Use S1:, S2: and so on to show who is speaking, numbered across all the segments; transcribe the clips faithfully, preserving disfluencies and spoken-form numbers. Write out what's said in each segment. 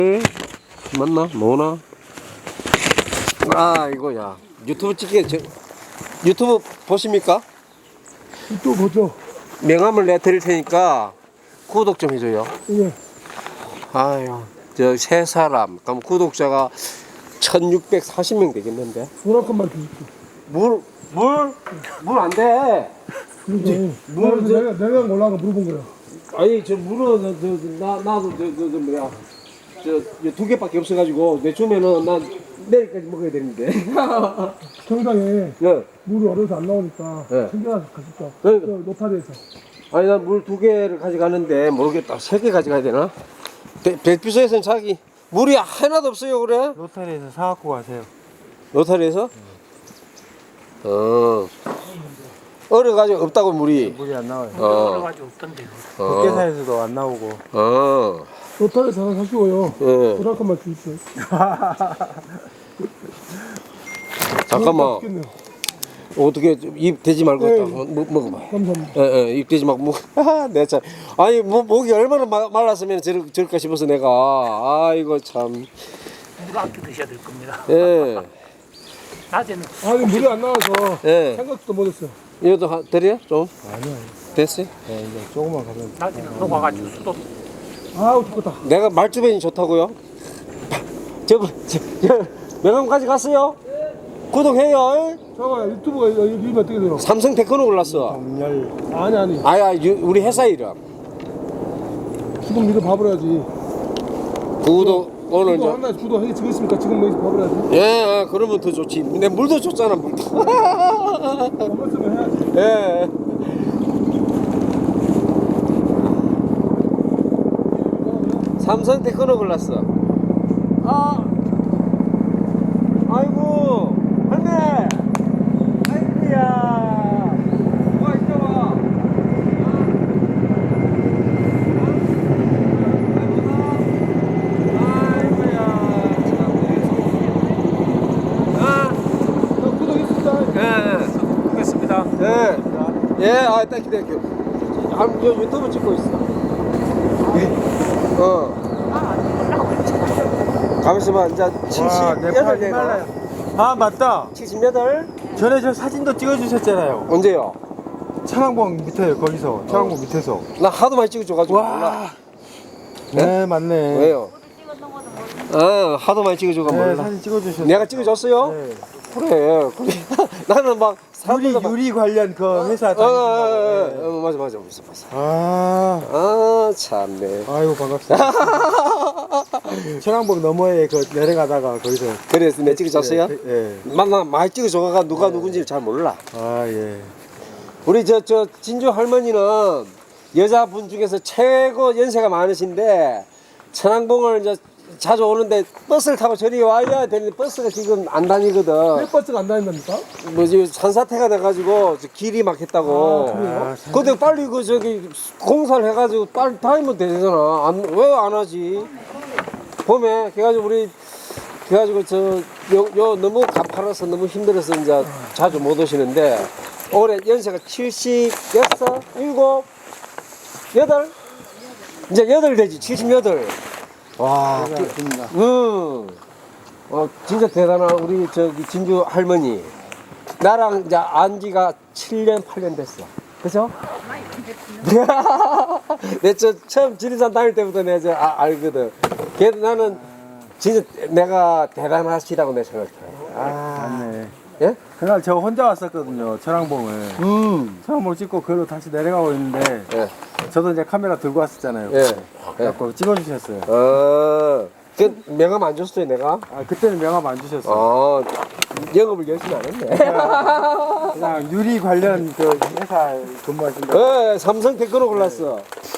S1: 맞나? 뭐나? 아 이거야 유튜브 찍게 저, 유튜브 보십니까?
S2: 또 보죠.
S1: 명함을 내 드릴 테니까 구독 좀 해줘요.
S2: 예.
S1: 아유 저 세 사람 그럼 구독자가 천육백사십 명 되겠는데.
S2: 물 한 컵만 드릴게요.
S1: 물 물 물 안 돼.
S2: 그러니까
S1: 물, 저-
S2: 내가 내가 몰라가 물어본 거야. 아니
S1: 저 물은 저, 저, 나 나도 저, 저, 저 뭐야 저 두 개밖에 없어가지고 내 주면은 난 내일까지 먹어야 되는데.
S2: 정상에
S1: 예.
S2: 물이 얼어서 안 나오니까
S1: 예.
S2: 챙겨가서 가실까?
S1: 네.
S2: 저 노타리에서.
S1: 아니 난 물 두 개를 가져가는데 모르겠다. 세 개 가져가야 되나? 배, 배피소에서는 자기 물이 하나도 없어요 그래?
S3: 로타리에서 사갖고 가세요.
S1: 로타리에서? 어. 얼어가지고 없다고 물이.
S3: 물이 안 나와요.
S1: 어. 어.
S3: 국계사에서도 안 나오고.
S1: 어.
S2: 노타리에서 하나 사시고요.
S1: 예.
S2: 물 한 컵만 드릴게요.
S1: 잠깐만.
S2: 맛있겠네요.
S1: 어떻게 입 대지 말고
S2: 네.
S1: 딱 먹, 먹어봐.
S2: 감사합니다.
S1: 예, 예, 입 대지 말고 먹. 내가 참. 아니 뭐, 목이 얼마나 마, 말랐으면 저럴, 저럴까 싶어서 내가. 아이고 참.
S4: 물 아껴 드셔야 될 겁니다.
S1: 예.
S4: 낮에는
S2: 아니 물이 안 나와서
S1: 예.
S2: 생각도 못했어요.
S1: 이것도 하- 드려 좀.
S3: 아니요.
S1: 됐어요?
S3: 네, 이제 조금만 가면.
S4: 낮에는 녹아가지고 수도
S2: 아우 죽겠다.
S1: 내가 말주변이 좋다고요? 저, 저, 저 명함까지 갔어요? 구독해요.
S2: 잠깐만 유튜브가 여기 이름 어떻게 돼요?
S1: 삼성 테크노 골랐어.
S3: 정렬.
S2: 아니 아니
S1: 아야 우리 회사 이름.
S2: 지금 믿어 밥을 해야지.
S1: 구독 오늘
S2: 주도
S1: 저.
S2: 하나 주도 해 지금 있으니까 지금 여기서 밥을 해야지.
S1: 예, 아, 그러면 더 좋지. 내 물도 줬잖아 물도.
S2: 먹었으면 해야지.
S1: 예. 삼성 테크노 골랐어. 아, 아이고, 할매. 아이고야. 와, 이리 와. 아이고야. 참. 아,
S2: 나 구독했습니다.
S1: 예.
S4: 보겠습니다.
S1: 예. 예, 아, 땡큐, 땡큐. 아, 저 유튜브 찍고 있어. 어. 가만있어봐, 이제
S3: 와, 내
S1: 칠십팔
S3: 팔
S1: 개가.
S3: 히말라야. 아, 맞다.
S1: 칠십팔?
S3: 전에 저 사진도 찍어주셨잖아요.
S1: 언제요?
S3: 천왕봉 밑에, 거기서. 천왕봉 밑에서.
S1: 나 하도 많이 찍어줘가지고. 몰라.
S3: 와. 네, 맞네.
S1: 왜요? 아, 하도 많이 찍어줘가
S3: 네,
S1: 몰라.
S3: 사진 찍어주셨어요.
S1: 내가 찍어줬어요?
S3: 네.
S1: 그래, 그래. 나는 막
S3: 유리,
S1: 사람들도 막.
S3: 유리 관련 그 회사
S1: 어, 어,
S3: 다니신다고.
S1: 어,
S3: 네.
S1: 어, 어, 맞아, 맞아, 맞아, 맞아.
S3: 아,
S1: 아, 참네.
S3: 아이고, 반갑습니다. 천왕봉 너머에 그 내려가다가 거기서.
S1: 그래서 내 찍어줬어요?
S3: 예. 예.
S1: 만나 많이 찍어줘가 누가 누군지 잘 몰라.
S3: 아, 예.
S1: 우리 저, 저 진주 할머니는 여자분 중에서 최고 연세가 많으신데 천왕봉을 이제 자주 오는데 버스를 타고 저리 와야 되는데 버스가 지금 안 다니거든.
S2: 왜 버스가 안 다닌답니까?
S1: 뭐지 산사태가 돼가지고 저 길이 막혔다고.
S2: 아, 그래요?
S3: 아, 참.
S1: 근데 빨리 그 저기 공사를 해가지고 빨리 다니면 되잖아. 안, 왜 안 하지? 봄에 그래가지고 우리 그래가지고 저 요 요 너무 가파라서 너무 힘들어서 이제 자주 못 오시는데 올해 연세가 칠십육, 일곱, 여덟 이제 여덟 되지 칠십팔. 와,
S3: 반갑습니다.
S1: 응. 어, 진짜 대단한 우리 저기 진주 할머니. 나랑 이제 안지가 칠 년, 팔 년 됐어. 그죠? 내 저 처음 지리산 다닐 때부터 내가 저 아, 알거든. 걔도 나는 진짜 내가 대단하시다고 내 생각해. 아,
S3: 맞네.
S1: 예?
S3: 그날 저 혼자 왔었거든요, 천왕봉을.
S1: 음.
S3: 천왕봉 찍고 그로 다시 내려가고 있는데,
S1: 예.
S3: 저도 이제 카메라 들고 왔었잖아요.
S1: 예.
S3: 그래갖고 찍어주셨어요.
S1: 어, 그 명함 안 줬어요, 내가?
S3: 아, 그때는 명함 안 주셨어요.
S1: 어, 영업을 열심히 안 했네.
S3: 그냥 유리 관련 그 회사 근무하신다.
S1: 예, 삼성 테크노 골랐어.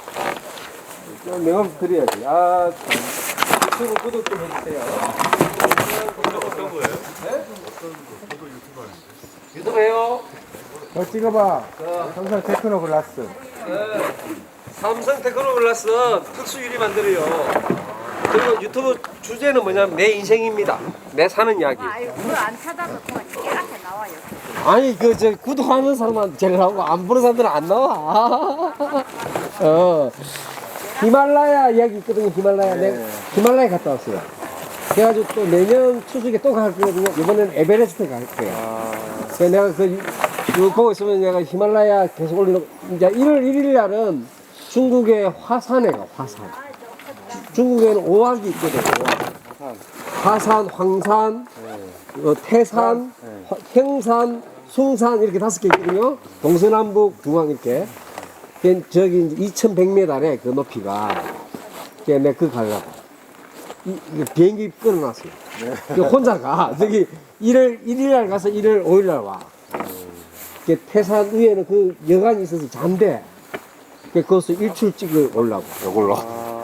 S1: 좀 명함 드려야지. 아, 참. 유튜브 구독 좀 해주세요. 어떤 거예요? 네? 어떤 구독 유튜브 하는데? 유튜브 해요?
S3: 너 찍어봐. 삼성 테크노 글라스.
S1: 네. 삼성 테크노 골랐어. 특수 유리 만들어요. 그리고 유튜브 주제는 뭐냐면 내 인생입니다. 내 사는 이야기.
S5: 아유, 그걸 안 찾아서 그만 깨끗하게 나와요.
S1: 아니 그 저 구독하는 사람만 제일 나오고 안 보는 사람들은 안 나와. 어. 히말라야 이야기 있거든요. 히말라야. 내가 히말라야 갔다 왔어요. 그래가지고 또 내년 추석에 또 갈 거거든요. 이번엔 에베레스트 갈 거예요. 그래서 내가 그, 그 보고 있으면 내가 히말라야 계속 올리는, 이제 일월 일일 날은 중국의 화산에 가, 화산. 중국에는 오악이 있거든요. 화산, 황산, 어, 태산, 화- 행산, 숭산 이렇게 다섯 개 있거든요. 동서남북 중앙 이렇게. 걔 저기 이제 이천백 미터래 그 높이가. 걔 내가 그거 가려고. 이, 이 비행기 끊어놨어요. 그 혼자 가. 저기 일월 일일 날 가서 일월 오일 날 와. 그 태산 위에는 그 여관이 있어서 잔대. 그 거기서 일출 찍어 올라고. 요걸로.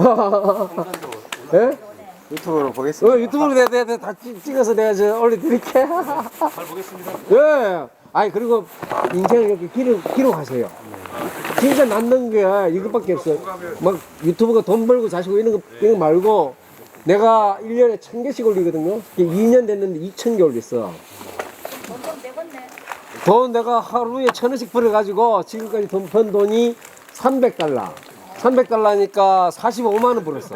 S1: 예?
S3: 유튜브로 보겠습니다.
S1: 어, 유튜브로 내가, 내가 다 찍- 찍어서 내가 저 올려드릴게. 잘 보겠습니다. 예. 아니, 그리고 인생을 이렇게 기록, 기록하세요. 진짜 남는 게 이것밖에 없어요. 막 유튜브가 돈 벌고 자시고 이런 거, 이런 거 말고 내가 일 년에 천 개씩 올리거든요. 이 년 됐는데 이천 개 올렸어.
S5: 돈좀 내겠네.
S1: 돈 내가 하루에 천 원씩 벌어가지고 지금까지 돈 번 돈이 삼백 달러. 삼백 달러니까 사십오만 원 벌었어.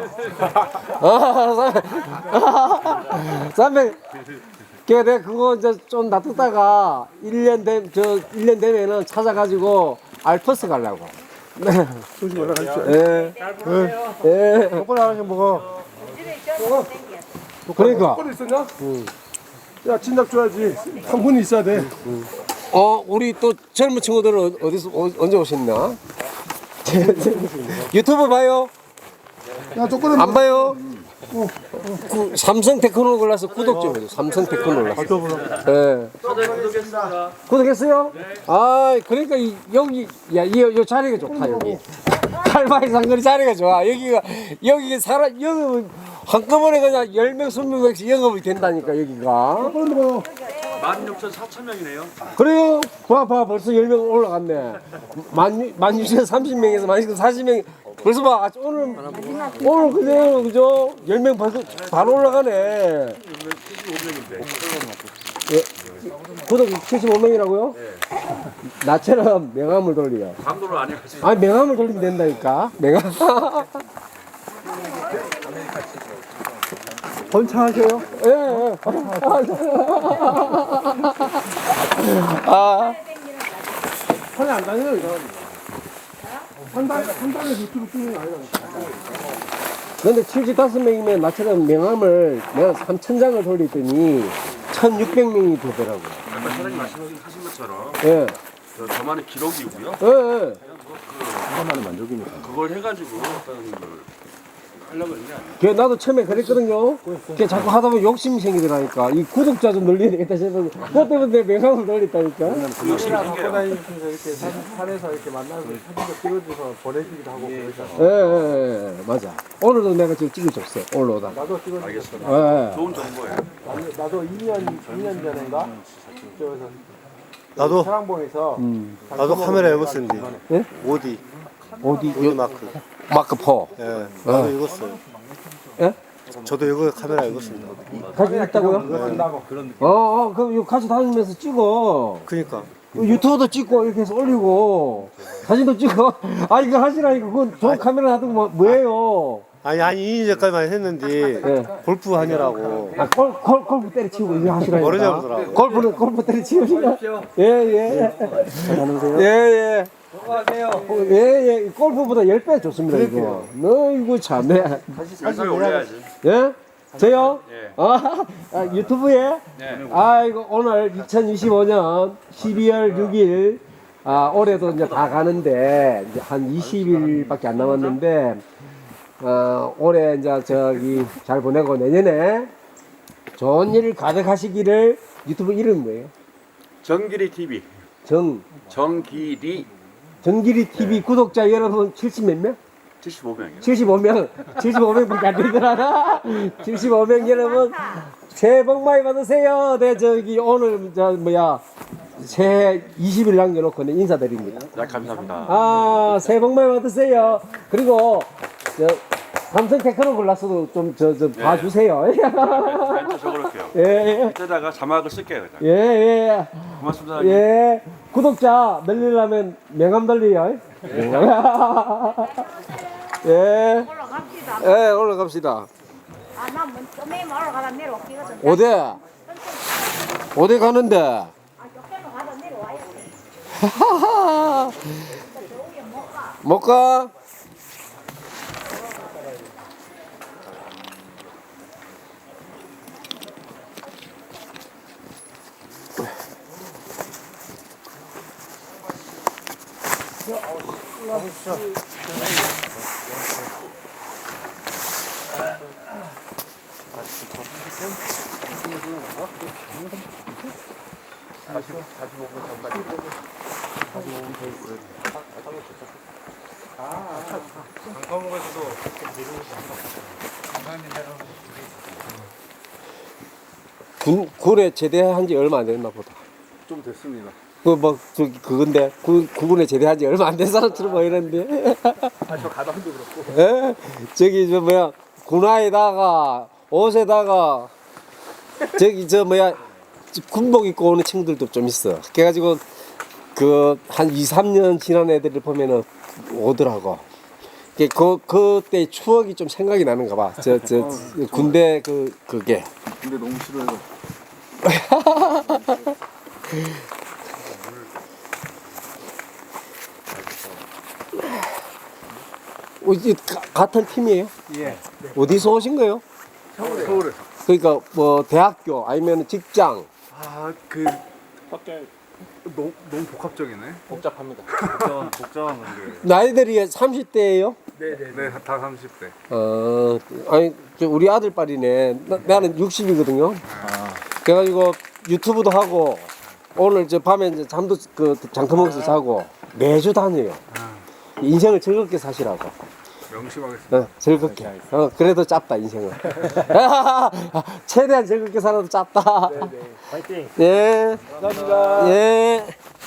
S1: 삼백. 그래 내가 그거 이제 좀 놔뒀다가 일 년 된, 저, 일 년 되면은 찾아가지고 알프스 가려고.
S2: 조심 올라가십시오.
S1: 예. 예.
S2: 똑바로 하나 먹어.
S5: 집에 저거 땡겨.
S1: 그러니까.
S2: 똑바로 있었냐? 야, 진작 줘야지. 한 분이 있어야 돼.
S1: 어, 우리 또 젊은 친구들은 어- 어디서, 어, 언제 오셨나? 유튜브 봐요?
S2: 야, 똑바로
S1: 안 봐요? 그 삼성 테크노 골라서 구독 좀 해줘. 삼성 테크노 골라서. 예. 구독했어요? 아, 그러니까 이, 여기 야, 이, 요 자리가 좋다 여기. 칼바이 상거리 자리가 좋아. 여기가 여기 사람 여기 한꺼번에 그냥 열 명, 스무 명씩 영업이 된다니까 여기가.
S6: 만 육천 사천 명이네요.
S1: 그래요? 봐, 봐, 벌써 열 명 올라갔네. 만, 만 육천 삼십 명에서 만 육천 사십 명. 벌써 봐, 아, 오늘, 오늘 그대로, 그죠? 열 명 벌써 바로 올라가네. 예, 구독 칠십오 명이라고요? 나처럼 명함을 돌려.
S6: 강도를 안 해가지고.
S1: 아니, 명함을 돌리면 된다니까. 명함.
S3: 번창하셔요?
S1: 예, 예. 아.
S2: 산에 안 다녀요, 이 사람이. 한 달, 한 달에 유튜브 찍는 게 아니라.
S1: 근데 칠십오 명이면 나처럼 명함을 내가 삼천 장을 돌리더니 천육백 명이 되더라고.
S6: 아까 사장님 말씀하신 것처럼
S1: 예.
S6: 저, 저만의 기록이고요.
S1: 예, 예.
S6: 그것만의 만족이니까. 그걸 해가지고 어떤 걸 하려고 했는데
S1: 그 나도 처음에 그랬거든요. 그 자꾸 하다 보면 욕심이 생기더라니까. 이 구독자 좀 늘려야 되겠다 싶어서 그것 때문에 내 명함을 돌렸다니까.
S6: 욕심이
S3: 갖고
S6: 생겨요.
S3: 다니면서 이렇게 산, 산에서 이렇게 만나서 사진도 찍어줘서 보내주기도 하고 그러잖아.
S1: 예, 예, 예, 맞아. 오늘도 내가 지금 찍어줬어. 올라오다.
S3: 나도 찍어줬어.
S6: 알겠습니다.
S1: 예.
S6: 좋은 정보예요.
S3: 나도 이 년, 이 년 전인가? 저기서
S7: 나도
S3: 사랑봉에서
S1: 음.
S7: 나도 카메라 읽었었는데
S1: 예?
S7: 오디
S1: 어디?
S7: 오디 마크
S1: 마크포.
S7: 예 나도 읽었어요.
S1: 예?
S7: 저도 이거 카메라 읽었습니다.
S1: 가지고 있다고요?
S3: 끝나고
S1: 어, 어, 그럼 이거 같이 다니면서 찍어.
S7: 그니까
S1: 유튜브도 찍고 이렇게 해서 올리고 사진도 찍어. 아 이거 하시라니까 그건 좋은 카메라 놔두고 뭐, 뭐예요?
S7: 아니 아니 이 년 전까지만 했는데
S1: 예.
S7: 골프 하느라고
S1: 아, 골, 골, 골프 때려치우고 이거 하시라니까.
S7: 머리 잡으더라고.
S1: 골프는 골프 때려치우니까. 예, 예. 예, 예. 예, 예. 골프보다 십 배 좋습니다, 이거. 너, 이거 참, 네.
S6: 영상에 올려야지.
S1: 예? 저요?
S6: 예.
S1: 아, 아, 유튜브에?
S6: 네.
S1: 아이고, 오늘 이천이십오 년 십이월 육일, 아, 올해도 이제 다 가는데, 이제 한 이십 일밖에 안 남았는데, 어, 올해 이제 저기 잘 보내고 내년에 좋은 일 가득하시기를. 유튜브 이름 뭐예요?
S6: 정길이 티비.
S1: 정,
S6: 정길이
S1: 정길이 티비 구독자 여러분 칠십 몇 명?
S6: 칠십오 명이요.
S1: 칠십오 명, 칠십오 명밖에 안 되더라. 칠십오 명 여러분, 새해 복 많이 받으세요. 네, 저기, 오늘, 저, 뭐야, 새해 이십 일 남겨놓고 네, 인사드립니다.
S6: 네, 감사합니다.
S1: 아, 새해 복 많이 받으세요. 그리고, 저, 삼성 테크노 골랐어도 좀, 저, 저, 봐주세요.
S6: 멘트 적어놓을게요.
S1: 예, 예,
S6: 이때다가 자막을 쓸게요. 그냥.
S1: 예, 예.
S6: 고맙습니다. 사장님.
S1: 예. 구독자 늘리려면 명함 돌리요. 예.
S5: 올라갑시다.
S1: 예, 올라갑시다.
S5: 아, 나 먼저 맨 올라가다 내려왔거든.
S1: 어디? 어디 가는데?
S5: 아, 저쪽으로 가다 내려와야 돼.
S1: 하하하. 못 가? 군, 군에 제대한 지 얼마 안 됐나 보다.
S6: 좀 됐습니다.
S1: 그, 뭐, 저기, 그건데, 구, 군에 제대한 지 얼마 안 된 사람처럼 보이는데.
S6: 아저 가방도 그렇고.
S1: 예? 저기, 저, 뭐야, 군화에다가, 옷에다가, 저기, 저, 뭐야, 군복 입고 오는 친구들도 좀 있어. 그래가지고, 그, 한 이, 삼 년 지난 애들을 보면은 오더라고. 그, 그, 그때 추억이 좀 생각이 나는가 봐. 저, 저, 군대 그, 그게.
S6: 근데 너무 싫어요.
S1: 어, 이제 가- 같은 팀이에요?
S3: 예.
S1: 어디서 오신 거예요?
S6: 서울에. 서울에.
S1: 그러니까 뭐 대학교 아니면 직장.
S6: 아그 너무 너무 복합적이네.
S3: 복잡합니다. 복잡한 복잡한 건데.
S1: 나이들이 삼십 대예요?
S6: 네네. 다 삼십 대.
S1: 어, 아니 저 우리 아들 딸이네. 나, 나는 육십이거든요. 그래가지고 유튜브도 하고 오늘 저 밤에 이제 잠도 그 장터 먹어서 자고 매주 다녀요. 인생을 즐겁게 사시라고.
S6: 명심하겠습니다.
S1: 어, 즐겁게. 어, 그래도 짧다 인생은. 최대한 즐겁게 살아도 짧다.
S4: 화이팅!
S1: 예.
S3: 감사합니다.
S1: 예.